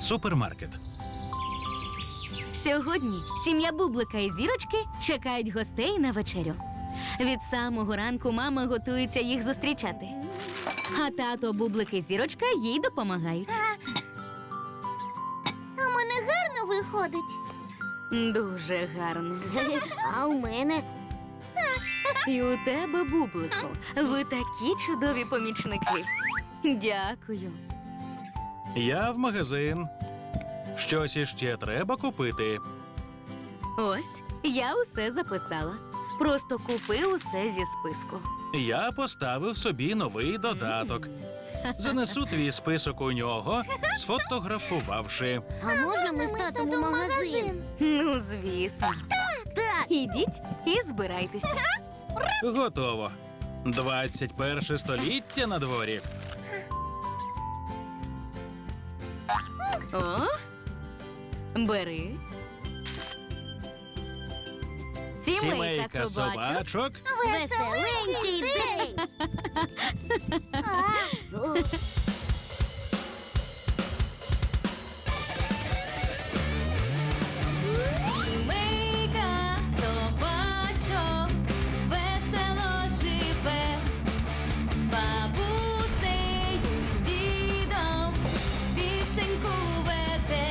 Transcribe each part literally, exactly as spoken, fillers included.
Супермаркет. Сьогодні сім'я Бублика і Зірочки чекають гостей на вечерю. Від самого ранку мама готується їх зустрічати. А тато, Бублик і Зірочка їй допомагають. А в мене гарно виходить. Дуже гарно. А у мене? І у тебе, Бублику, ви такі чудові помічники. Дякую. Я в магазин. Щось іще треба купити. Ось, я усе записала. Просто купи усе зі списку. Я поставив собі новий додаток. Занесу твій список у нього, сфотографувавши. А можна ми з татом у магазин? Ну, звісно. Так. Ідіть і збирайтеся. Готово. двадцять перше століття на дворі. О, бери. Сімейка собачок. собачок. Веселенький день! Сімейка собачок весело живе, з бабусею, з дідом пісеньку веде.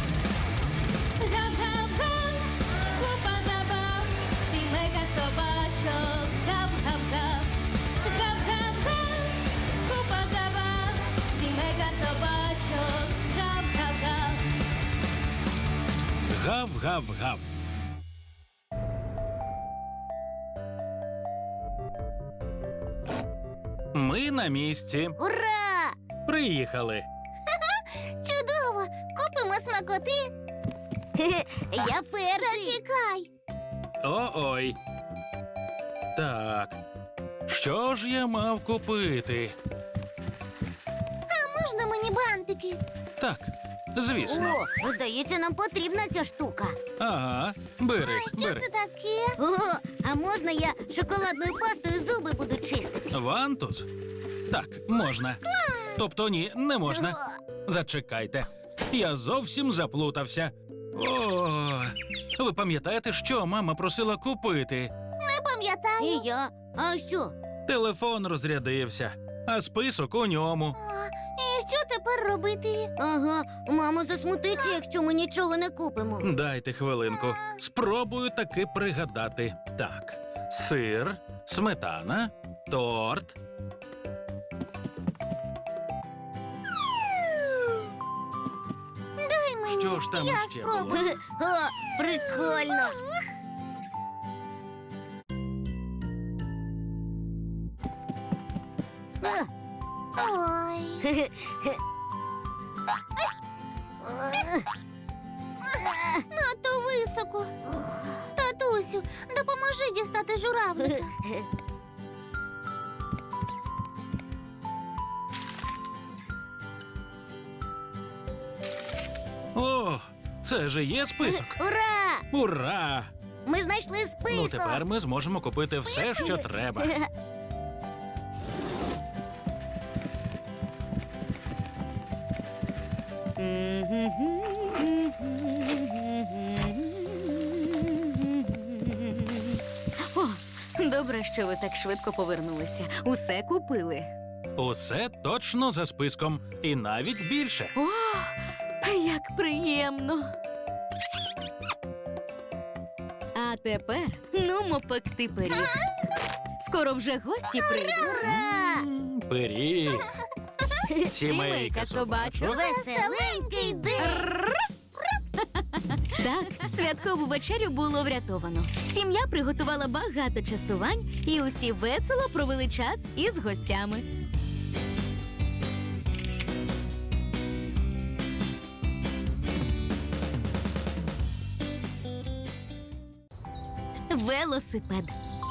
Гав-гав-га, купа забав, сімейка собачок, гав-гав-гав. Гав-гав-га, купа забав, сімейка собачок, гав-гав-гав. Гав-гав-гав. Ми на місці. Ура! Приїхали. Чудово! Купимо смакоти. Я перший. Зачекай. О-ой. Так. Що ж я мав купити? А можна мені бантики? Так, звісно. О, здається, нам потрібна ця штука. Ага, бери, А що бери. це таке? О, а можна я шоколадною пастою зуби буду чистити? Вантус? Так, можна. Тобто ні, не можна. Зачекайте. Я зовсім заплутався. О, ви пам'ятаєте, що мама просила купити? Не пам'ятаю. І я. А що? Телефон розрядився, а список у ньому. І що тепер робити? Ага, мама засмутиться, якщо ми нічого не купимо. Дайте хвилинку. Спробую таки пригадати. Так, сир, сметана, торт. Дай мені. Що ж там я ще спробую. було? О, прикольно. Ой. Надто високо. Татусю, допоможи дістати журавлика. О, це же є список. Ура! Ура! Ми знайшли список. Ну, тепер ми зможемо купити все, що треба. О, добре, що ви так швидко повернулися. Усе купили. Усе точно за списком. І навіть більше. О, як приємно. А тепер нумо пекти пиріг. Скоро вже гості прийдуть. Ура! М, Пиріг. Сімейка собачок. Веселенький день! Так, святкову вечерю було врятовано. Сім'я приготувала багато частувань, і усі весело провели час із гостями. Велосипед.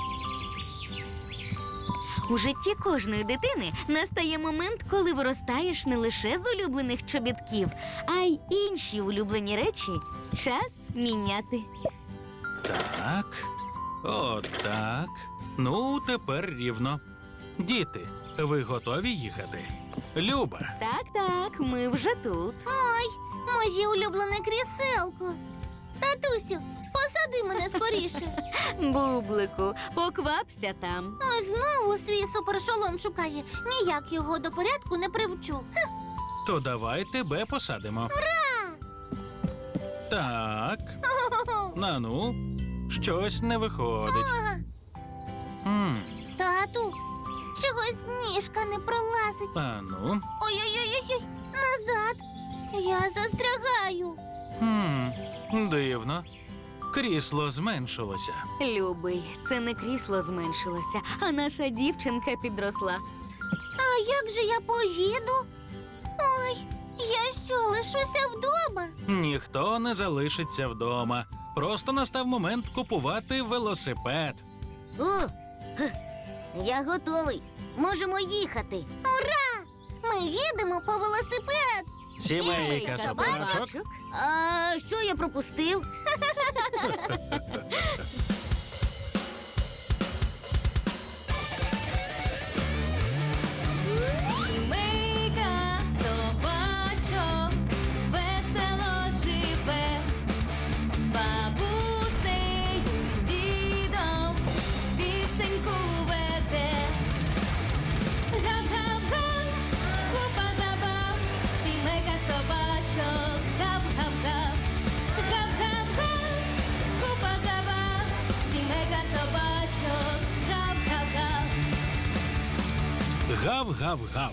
У житті кожної дитини настає момент, коли виростаєш не лише з улюблених чобітків, а й інші улюблені речі час міняти. Так. Отак. Ну, тепер рівно. Діти, ви готові їхати? Люба. Так, так, ми вже тут. Ой, Моє улюблене кріселко. Татусю, посади мене скоріше. Бублику, поквапся там. Ось знову свій супершолом шукає. Ніяк його до порядку не привчу. То давай тебе посадимо. Так, на ну, щось не виходить. М, Тату, чогось ніжка не пролазить. А ну. Ой-ой-ой, назад. Я застрягаю. Хм, дивно. Крісло зменшилося. Любий, це не крісло зменшилося, а наша дівчинка підросла. А як же я поїду? Ой, я що, лишуся вдома? Ніхто не залишиться вдома. Просто настав момент купувати велосипед. О, я готовий. Можемо їхати. Ура! Ми їдемо по велосипед. Сімейка собачок. А що я пропустив? Сімейка собачок весело живе, з бабусею, з дідом пісеньку веде. Гап-гап-га, купа забав, сімейка собачок, гап-гап-гап. Гап-гап-га, купа забав, сімейка собачок, гап-гап-гап. Гав-гав-гав.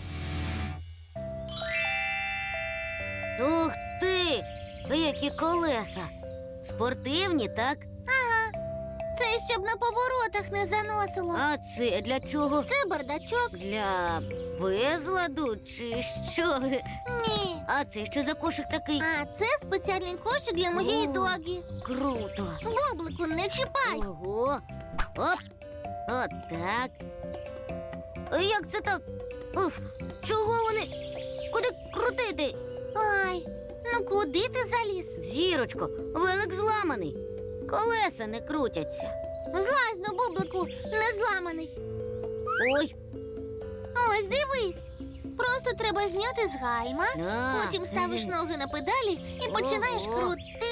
Ух ти! Які колеса! Спортивні, так? Ага. Це щоб на поворотах не заносило. А це для чого? Це бардачок. Для безладу чи що? Ні. А це що за кошик такий? А це спеціальний кошик для моєї О, догі. Круто. Бублику, не чіпай. Ого. Оп. От так. Як це так? Ух, чого вони? Куди крутити? Ай, ну куди ти заліз? Зірочко, велик зламаний. Колеса не крутяться. Злазь, ну, Бублику, не зламаний. Ой. Ось дивись. Просто треба зняти з гальма, потім ставиш ноги на педалі і починаєш Ого. крутити.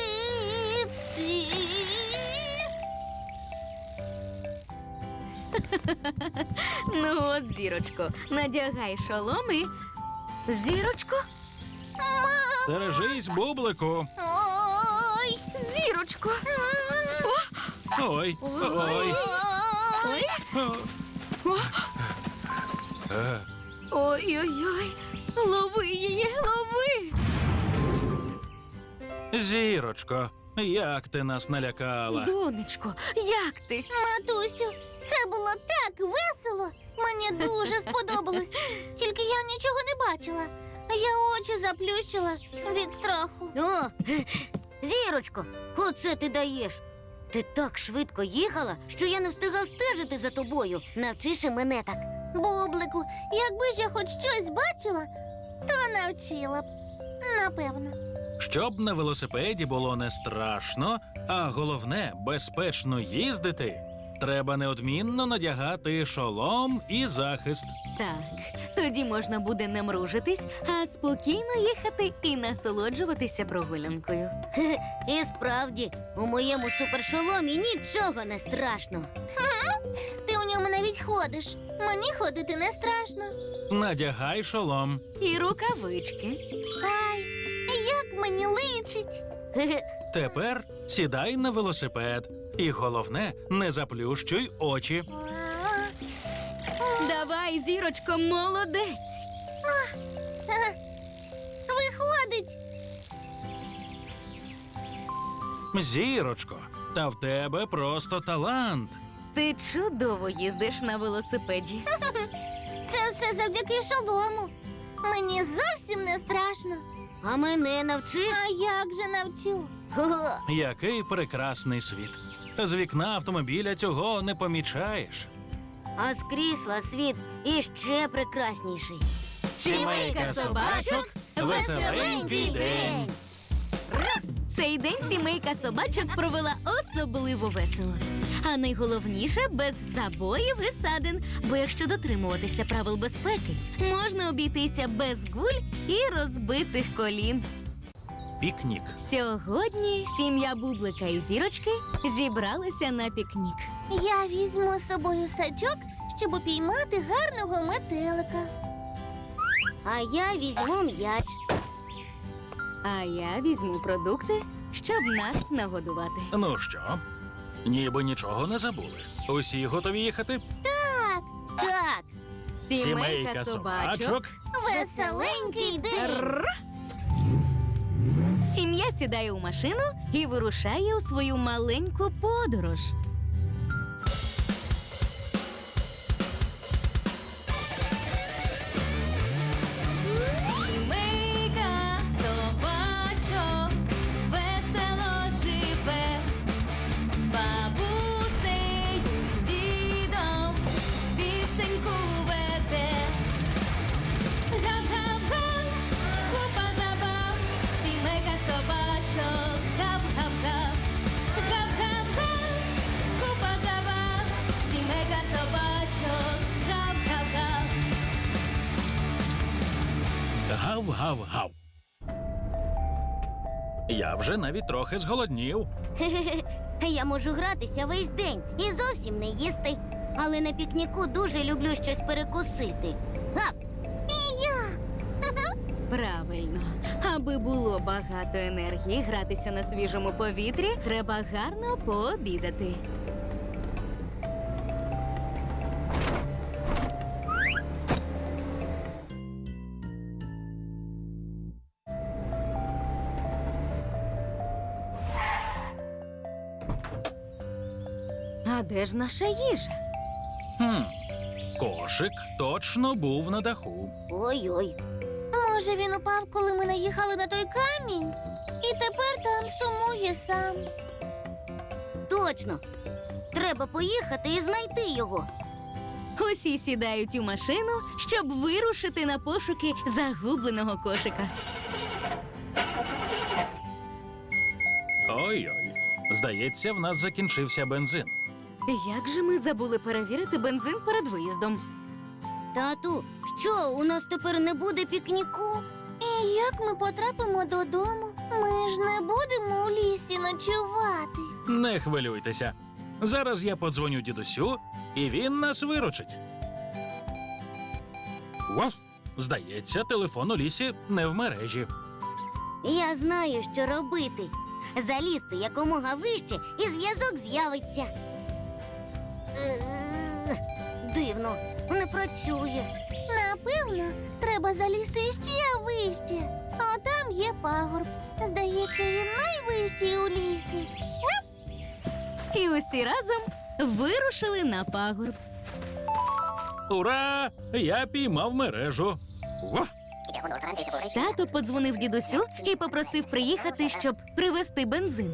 Ну от, зірочко, надягай шолом і... Зірочко? Стережись, бублику. Ой. Зірочко! Ой, ой. Ой! О. Е, Ой-ой-ой! Лови її, лови! Зірочко, як ти нас налякала. Донечко, як ти? Матусю, це було так весело. Мені дуже сподобалось. Тільки я нічого не бачила. Я очі заплющила від страху. О, Зірочко, оце ти даєш. Ти так швидко їхала, що я не встигав стежити за тобою. Навчиш і мене так. Бублику, якби ж я хоч щось бачила, то навчила б. Напевно. Щоб на велосипеді було не страшно, а головне безпечно їздити, треба неодмінно надягати шолом і захист. Так, тоді можна буде не мружитись, а спокійно їхати і насолоджуватися прогулянкою. І справді, у моєму супершоломі нічого не страшно. Ти у ньому навіть ходиш. Мені ходити не страшно. Надягай шолом. І рукавички. Ай, як мені личить. Тепер сідай на велосипед. І головне, не заплющуй очі. Давай, зірочко, молодець! Виходить. Зірочко, та в тебе просто талант. Ти чудово їздиш на велосипеді. Це все завдяки шолому. Мені зовсім не страшно. А мене навчиш? А як же навчу? Хо-хо. Який прекрасний світ. З вікна автомобіля цього не помічаєш. А з крісла світ іще прекрасніший. Сімейка собачок, веселенький день. Цей день сімейка собачок провела особливо весело. А найголовніше – без забоїв і садин. Бо якщо дотримуватися правил безпеки, можна обійтися без гуль і розбитих колін. пікнік. Сьогодні сім'я Бублика і Зірочки зібралася на пікнік. Я візьму з собою сачок, щоб упіймати гарного метелика. А я візьму м'яч. А я візьму продукти, щоб нас нагодувати. Ну що, ніби нічого не забули. Усі готові їхати? Так, Сімейка собачок. веселенький день. Рр. Сім'я сідає у машину і вирушає у свою маленьку подорож. Сімейка собачок весело живе, з бабусею, з дідом пісеньку веде. Гав-гав-га, купа забав, сімейка собачок, гав-гав-гав. Гав-гав-га, купа забав, сімейка собачок, гав-гав-гав. Гав-гав-гав. Я вже навіть трохи зголоднів. Я можу гратися весь день і зовсім не їсти. Але на пікніку дуже люблю щось перекусити. Гав! І я! Правильно. Аби було багато енергії гратися на свіжому повітрі, треба гарно пообідати. А де ж наша їжа? Хм. Кошик точно був на даху. Ой-ой. Може, він упав, коли ми наїхали на той камінь? І тепер там сумує сам. Точно. Треба поїхати і знайти його. Усі сідають у машину, щоб вирушити на пошуки загубленого кошика. Ой-ой. Здається, в нас закінчився бензин. Як же ми забули перевірити бензин перед виїздом? Тату, що, у нас тепер не буде пікніку? І як ми потрапимо додому? Ми ж не будемо у лісі ночувати. Не хвилюйтеся. Зараз я подзвоню дідусю, і він нас виручить. Вов! Здається, телефон у лісі не в мережі. Я знаю, що робити. Залізти якомога вище, і зв'язок з'явиться. Е, Дивно, не працює. Напевно, треба залізти ще вище. А там є пагорб. Здається, він найвищий у лісі. І усі разом вирушили на пагорб. Ура! Я піймав мережу. Вов! Тато подзвонив дідусю і попросив приїхати, щоб привезти бензин.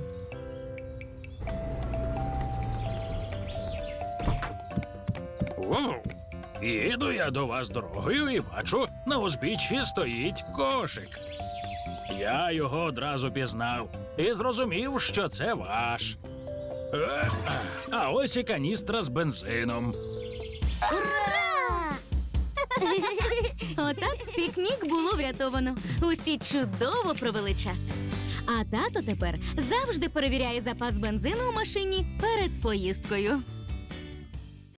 Вов! Їду я до вас дорогою і бачу, на узбіччі стоїть кошик. Я його одразу пізнав і зрозумів, що це ваш. Е, А ось і каністра з бензином. Ура! Отак пікнік було врятовано. Усі чудово провели час. А тато тепер завжди перевіряє запас бензину у машині перед поїздкою.